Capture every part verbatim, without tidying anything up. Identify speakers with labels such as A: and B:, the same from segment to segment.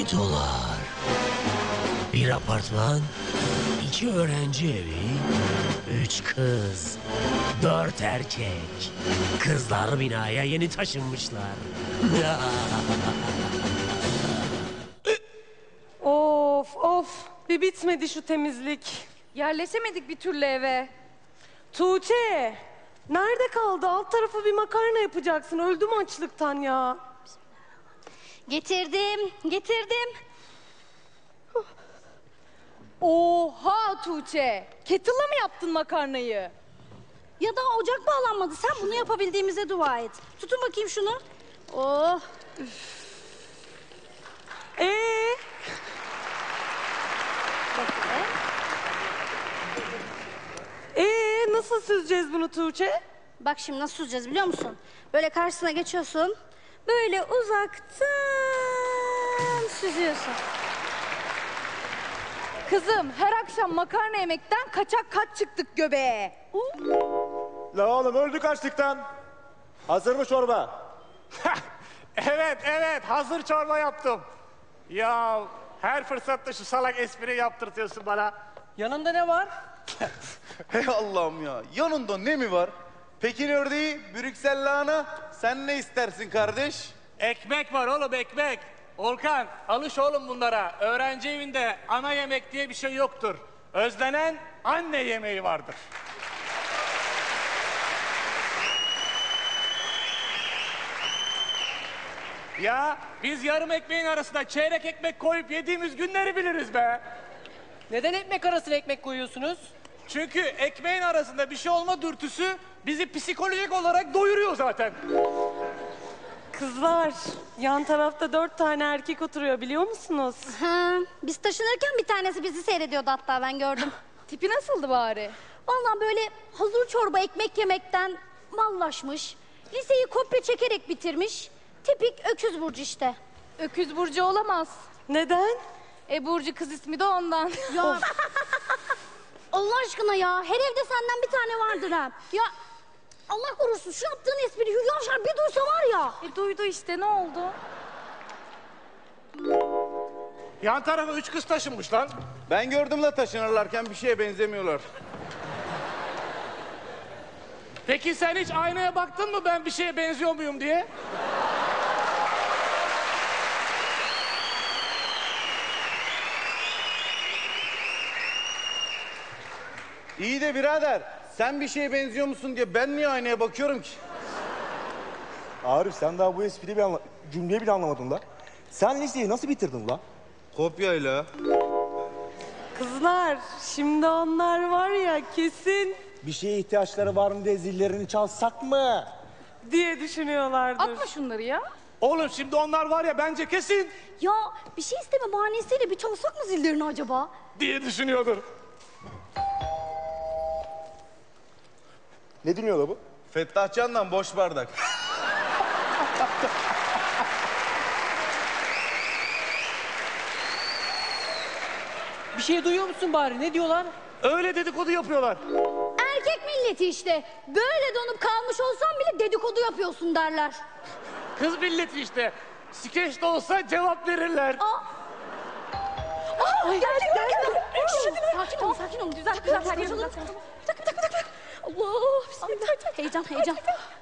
A: iki dolar. Bir apartman, iki öğrenci evi, üç kız, dört erkek. Kızlar binaya yeni taşınmışlar.
B: Of of, bir bitmedi şu temizlik.
C: Yerleşemedik bir türlü eve.
B: Tuğçe, nerede kaldı? Alt tarafı bir makarna yapacaksın. Öldüm açlıktan ya.
D: Getirdim, getirdim.
C: Oha Tuğçe! Kettle'la mı yaptın makarnayı?
D: Ya daha ocak bağlanmadı. Sen bunu yapabildiğimize dua et. Tutun bakayım şunu. Oh.
B: Ee,
D: Bakın.
B: ee nasıl süzeceğiz bunu Tuğçe?
D: Bak şimdi nasıl süzeceğiz biliyor musun? Böyle karşısına geçiyorsun. Böyle uzaktan süzüyorsun.
C: Kızım her akşam makarna yemekten kaçak kaç çıktık göbeğe.
E: La oğlum öldük açlıktan. Hazır mı çorba?
F: Evet evet hazır çorba yaptım. Ya her fırsatta şu salak espri yaptırtıyorsun bana.
G: Yanında ne var?
H: Hey Allah'ım ya. Yanında ne mi var? Pekin ördeği, Brüksel lahana. Sen ne istersin kardeş?
F: Ekmek var oğlum ekmek. Volkan alış oğlum bunlara. Öğrenci evinde ana yemek diye bir şey yoktur. Özlenen anne yemeği vardır. Ya biz yarım ekmeğin arasına çeyrek ekmek koyup yediğimiz günleri biliriz be.
G: Neden ekmek arasına ekmek koyuyorsunuz?
F: Çünkü ekmeğin arasında bir şey olma dürtüsü bizi psikolojik olarak doyuruyor zaten.
B: Kızlar, yan tarafta dört tane erkek oturuyor biliyor musunuz?
D: Ha, biz taşınırken bir tanesi bizi seyrediyordu hatta ben gördüm.
C: Tipi nasıldı bari?
D: Vallahi böyle hazır çorba ekmek yemekten mallaşmış. Liseyi kopya çekerek bitirmiş. Tipik öküz burcu işte.
C: Öküz Burcu olamaz.
B: Neden?
C: E Burcu kız ismi de ondan.
D: Ya Allah aşkına ya, her evde senden bir tane vardır ha. Ya Allah korusun şu yaptığın espri Hülya Avşar bir duysa var ya.
C: E duydu işte ne oldu?
F: Yan tarafa üç kız taşınmış lan.
H: Ben gördüm la taşınırlarken bir şeye benzemiyorlar.
F: Peki sen hiç aynaya baktın mı ben bir şeye benziyor muyum diye?
H: İyi de birader, sen bir şeye benziyor musun diye ben niye aynaya bakıyorum ki?
E: Arif sen daha bu espriyi bir anla... cümleyi bile anlamadın la. Sen liseyi nasıl bitirdin la?
H: Kopyayla.
B: Kızlar, şimdi onlar var ya kesin
E: Bir şeye ihtiyaçları var mı diye zillerini çalsak mı?
B: diye düşünüyorlardır.
C: Atma şunları ya.
F: Oğlum şimdi onlar var ya bence kesin
D: Ya bir şey isteme bahanesiyle bir çalsak mı zillerini acaba?
F: diye düşünüyordur.
E: Ne dinliyor la bu?
H: Fettah Can'dan boş bardak.
G: Bir şey duyuyor musun bari? Ne diyorlar?
F: Öyle dedikodu yapıyorlar.
D: Erkek milleti işte. Böyle donup kalmış olsan bile dedikodu yapıyorsun derler.
F: Kız milleti işte. Skeç de olsa cevap verirler.
D: Ay, geldi, geldi. Sakin olun, sakin olun. Güzel, güzel. Her yer güzel. Tak, tak, tak, tak. Allah, bismillah. Heyecan, heyecan.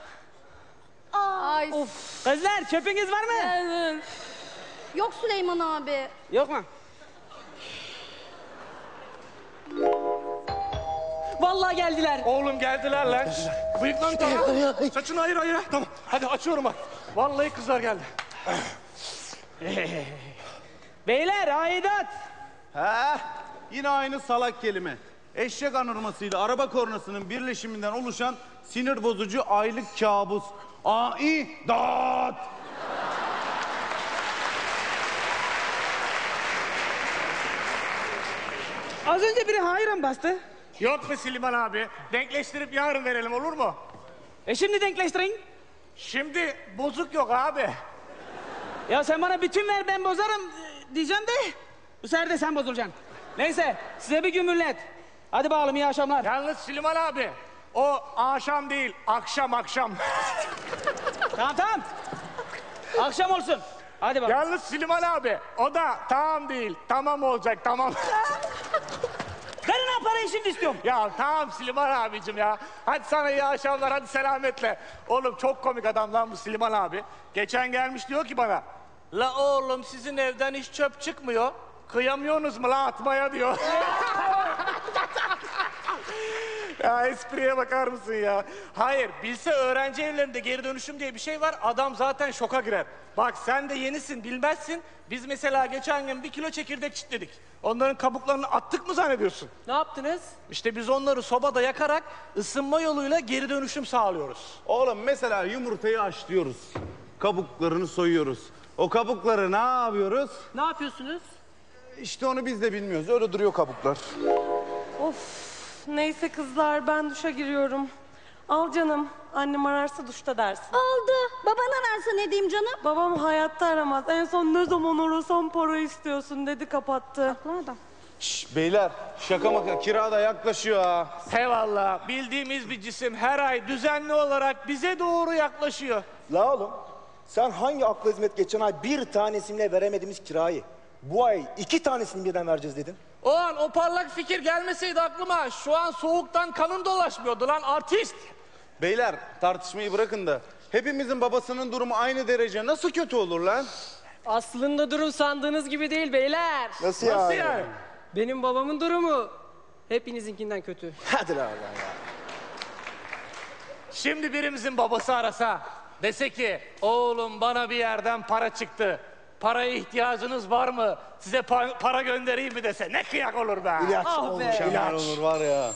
C: Ay
G: Kızlar çöpünüz var mı?
D: Yok Süleyman abi.
G: Yok mu? Vallahi geldiler.
F: Oğlum geldiler lan. Bıyıklarını tamam. Saçını ayır ayır. Tamam. Hadi açıyorum bak. Vallahi kızlar geldi.
G: Beyler aidat.
H: Ha, yine aynı salak kelime. Eşek anırmasıyla araba kornasının birleşiminden oluşan sinir bozucu aylık kabus. Aidat.
G: Az önce biri hayran bastı.
F: Yok mu Siliman abi? Denkleştirip yarın verelim olur mu?
G: E şimdi denkleştirin.
F: Şimdi bozuk yok abi.
G: Ya sen bana bütün ver ben bozarım e, diyeceğim de bu sefer de sen bozulacaksın. Neyse size bir gün millet. Hadi bakalım iyi akşamlar.
F: Yalnız Süleyman abi, o akşam değil, akşam akşam.
G: Tamam tamam. Akşam olsun. Hadi bakalım.
F: Yalnız Süleyman abi o da tamam değil. Tamam olacak tamam.
G: Verin ha parayı şimdi istiyorum.
F: Ya tamam Süleyman abicim ya. Hadi sana iyi akşamlar, hadi selametle. Oğlum çok komik adam lan bu Süleyman abi. Geçen gelmiş diyor ki bana. La oğlum sizin evden hiç çöp çıkmıyor. Kıyamıyorsunuz mu la atmaya diyor. Ya espriye bakar mısın ya? Hayır, bilse öğrenci evlerinde geri dönüşüm diye bir şey var. Adam zaten şoka girer. Bak sen de yenisin, bilmezsin. Biz mesela geçen gün bir kilo çekirdek çitledik. Onların kabuklarını attık mı zannediyorsun?
B: Ne yaptınız?
F: İşte biz onları sobada yakarak ısınma yoluyla geri dönüşüm sağlıyoruz.
H: Oğlum mesela yumurtayı haşlıyoruz. Kabuklarını soyuyoruz. O kabukları ne yapıyoruz?
B: Ne yapıyorsunuz?
H: İşte onu biz de bilmiyoruz. Öyle duruyor kabuklar.
B: Of, neyse kızlar ben duşa giriyorum. Al canım, annem ararsa duşta dersin.
D: Oldu. Baban ararsa ne diyeyim canım?
B: Babam hayatta aramaz. En son ne zaman arasam para istiyorsun dedi, kapattı.
D: Nereden?
H: Şş, beyler şaka maka kira da yaklaşıyor ha.
F: Eyvallah, bildiğimiz bir cisim her ay düzenli olarak bize doğru yaklaşıyor.
E: La oğlum, sen hangi akla hizmet geçen ay bir tanesine veremediğimiz kirayı bu ay iki tanesini birden vereceğiz dedin?
F: O an o parlak fikir gelmeseydi aklıma şu an soğuktan kanın dolaşmıyordu lan artist.
H: Beyler tartışmayı bırakın da hepimizin babasının durumu aynı derece nasıl kötü olur lan?
I: Aslında durum sandığınız gibi değil beyler.
E: Nasıl,
F: Nasıl
E: yani?
F: yani?
I: Benim babamın durumu hepinizinkinden kötü.
E: Hadi la Allah ya.
F: Şimdi birimizin babası arasa, dese ki oğlum bana bir yerden para çıktı. Paraya ihtiyacınız var mı? Size pa- para göndereyim mi dese ne kıyak olur be.
E: İlaç
I: Ah
E: oğlum,
I: be.
H: Mükemmel
E: ilaç.
H: olur var ya.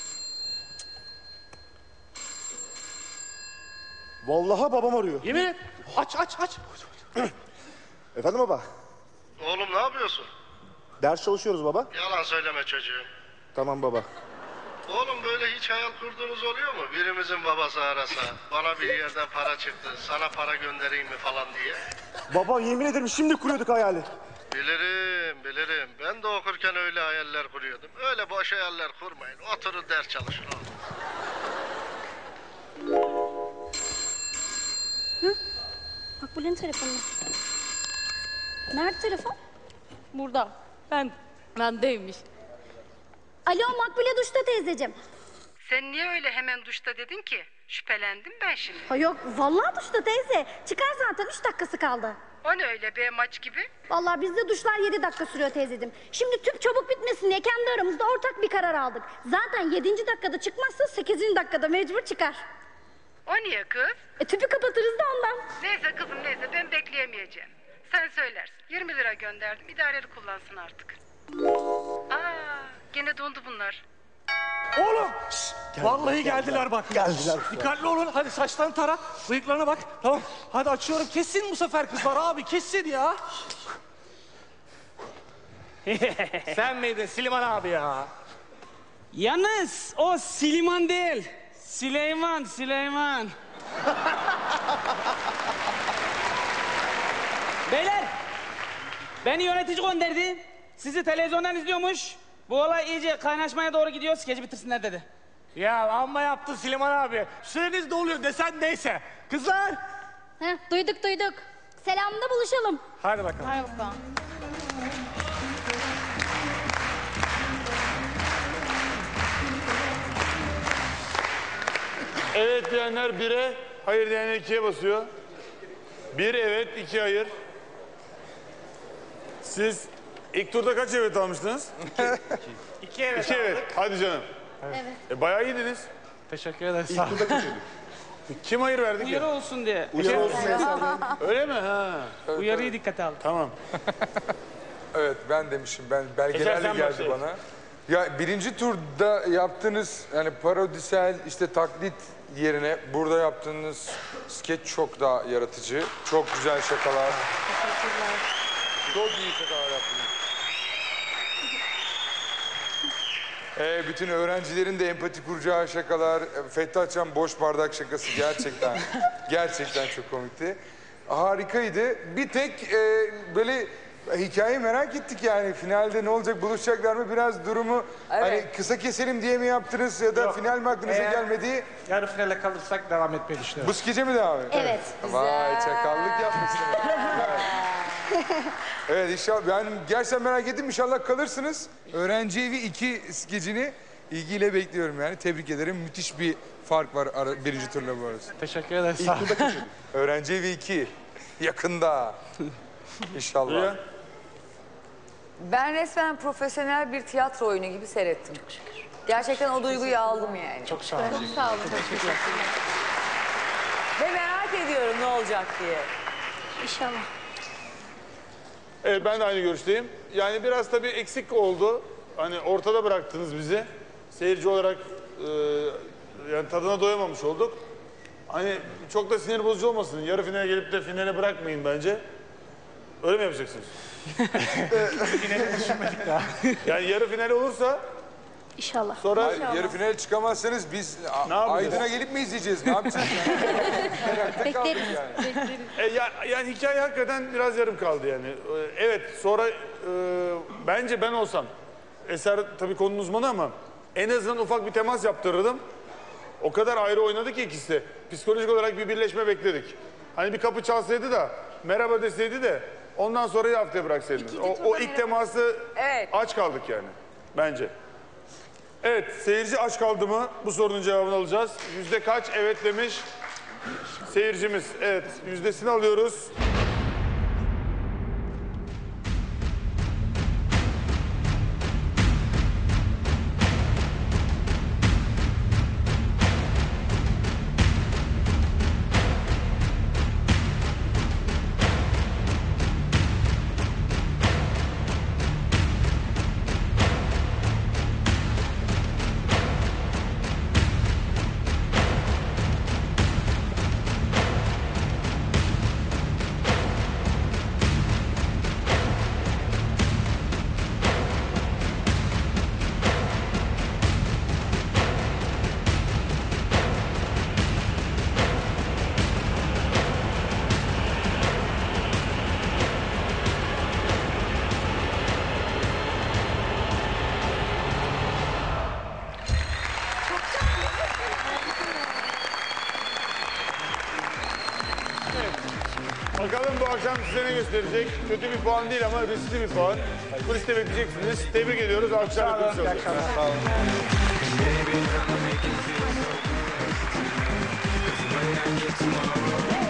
E: Vallahi babam arıyor.
F: Yemin et. Aç aç aç.
E: Efendim baba?
J: Oğlum ne yapıyorsun?
E: Ders çalışıyoruz baba.
J: Yalan söyleme çocuğum.
E: Tamam baba.
J: Oğlum böyle hiç hayal kurduğunuz oluyor mu? Birimizin babası arasa, bana bir yerden para çıktı, sana para göndereyim mi falan diye.
E: Baba yemin ederim şimdi kuruyorduk hayali.
J: Bilirim, bilirim. Ben de okurken öyle hayaller kuruyordum. Öyle boş hayaller kurmayın. Oturun ders çalışın oğlum.
D: Makbule'nin telefonu. Nerede telefon?
C: Burada. Ben, bendeymiş.
D: Alo Makbule duşta teyzeciğim.
K: Sen niye öyle hemen duşta dedin ki? Şüphelendim ben şimdi.
D: Ha yok vallahi duşta teyze. Çıkar zaten üç dakikası kaldı.
K: O ne öyle be maç gibi?
D: Vallahi bizde duşlar yedi dakika sürüyor teyzeciğim. Şimdi tüp çabuk bitmesin diye kendi aramızda ortak bir karar aldık. Zaten yedinci dakikada çıkmazsa sekizinci dakikada mecbur çıkar.
K: O niye kız?
D: E tüpü kapatırız da ondan.
K: Neyse kızım neyse ben bekleyemeyeceğim. Sen söylersin. yirmi lira gönderdim. İdareli kullansın artık. Aa, gene dondu bunlar.
F: Oğlum. şşt, vallahi geldiler bak.
E: Geldiler.
F: Şşt, dikkatli olun. Hadi saçlarını tara. Bıyıklarına bak. Tamam. Hadi açıyorum. Kesin bu sefer kızlar abi. Kesin ya. Sen miydin Süleyman abi ya?
G: Yalnız o Siliman değil. Süleyman, Süleyman. Beyler, beni yönetici gönderdi. Sizi televizyondan izliyormuş. Bu olay iyice kaynaşmaya doğru gidiyor. Skeci bitirsinler dedi.
F: Ya amma yaptın Süleyman abi. Süreniz doluyor desen neyse. Kızlar.
D: Heh, duyduk duyduk. Selamda buluşalım.
F: Hadi bakalım.
C: Hay bakalım.
L: Evet diyenler bire, hayır diyenler ikiye basıyor. Bir evet, iki hayır. Siz ilk turda kaç evet almıştınız?
F: İki evet.
L: İki evet. Hadi canım.
D: Evet.
L: E, bayağı iyiydiniz.
F: Teşekkür ederiz. Sağ olun.
L: Kim hayır verdi ki?
G: Uyarı olsun diye.
E: Uyarı olsun Ensar'dan.
L: Öyle mi? Ha.
G: Uyarıyı dikkate al.
L: Tamam.
M: Evet ben demişim. Ben
L: Eser,
M: belgelerle
L: sen
M: geldi
L: başla.
M: bana. Ya birinci turda yaptığınız yani parodisel işte taklit yerine burada yaptığınız skeç çok daha yaratıcı. Çok güzel şakalar. Çok iyi şakalar yaptınız. Ee, bütün öğrencilerin de empati kuracağı şakalar. Fettah Can boş bardak şakası gerçekten gerçekten çok komikti. Harikaydı. Bir tek e, böyle hikayeyi merak ettik yani. Finalde ne olacak, buluşacaklar mı? Biraz durumu hani kısa keselim diye mi yaptınız ya da
F: Yok.
L: final mi aklınıza
F: Eğer-
L: gelmedi?
F: Yarı finale kalırsak devam etmeyi düşünüyorum.
L: Bu skece mi devam ediyor?
D: Evet.
M: Vay çakallık yapmışsınız. Güzel. Evet inşallah. Ben gerçekten merak ettim. İnşallah kalırsınız. Öğrenci evi iki skecini ilgiyle bekliyorum yani. Tebrik ederim. Müthiş bir fark var ara, birinci turla bu arası.
F: Teşekkür ederiz. Sağ olun.
M: Öğrenci evi iki. Yakında. İnşallah.
F: Ya.
N: Ben resmen profesyonel bir tiyatro oyunu gibi seyrettim. Çok şükür. Gerçekten o duyguyu aldım yani.
F: Çok sağ olun.
C: Çok sağ olun.
N: Ve merak ediyorum ne olacak diye.
D: İnşallah.
L: Evet ben de aynı görüşteyim. Yani biraz tabii eksik oldu. Hani ortada bıraktınız bizi. Seyirci olarak e, yani tadına doyamamış olduk. Hani çok da sinir bozucu olmasın. Yarı finale gelip de finale bırakmayın bence. Öyle mi yapacaksınız?
F: Finali düşünmedik daha.
L: Yani yarı final olursa
D: İnşallah.
L: sonra
M: Hayır, yarı finale çıkamazsanız biz a-
L: Ne yapacağız?
M: Aydın'a gelip mi izleyeceğiz? Ne yapacağız? Yani? Merakta kaldık
D: Bekleriz.
M: yani.
D: Bekleriz.
L: E, ya, yani hikaye hakikaten biraz yarım kaldı yani. E, evet sonra e, bence ben olsam, Eser tabii konunun uzmanı ama en azından ufak bir temas yaptırırdım. O kadar ayrı oynadı ki ikisi de. Psikolojik olarak bir birleşme bekledik. Hani bir kapı çalsaydı da merhaba deseydi de ondan sonrayı haftaya bıraksaydınız. O, o ilk teması
N: Evet.
L: aç kaldık yani bence. Evet seyirci aç kaldı mı? Bu sorunun cevabını alacağız. Yüzde kaç evet demiş seyircimiz. Evet yüzdesini alıyoruz. Bakalım bu akşam size ne gösterecek? Kötü bir puan değil ama riskli bir puan. Kuliste bekleyeceksiniz. Tebrik ediyoruz. Alkışlarla kulis olacak. Sağ olun.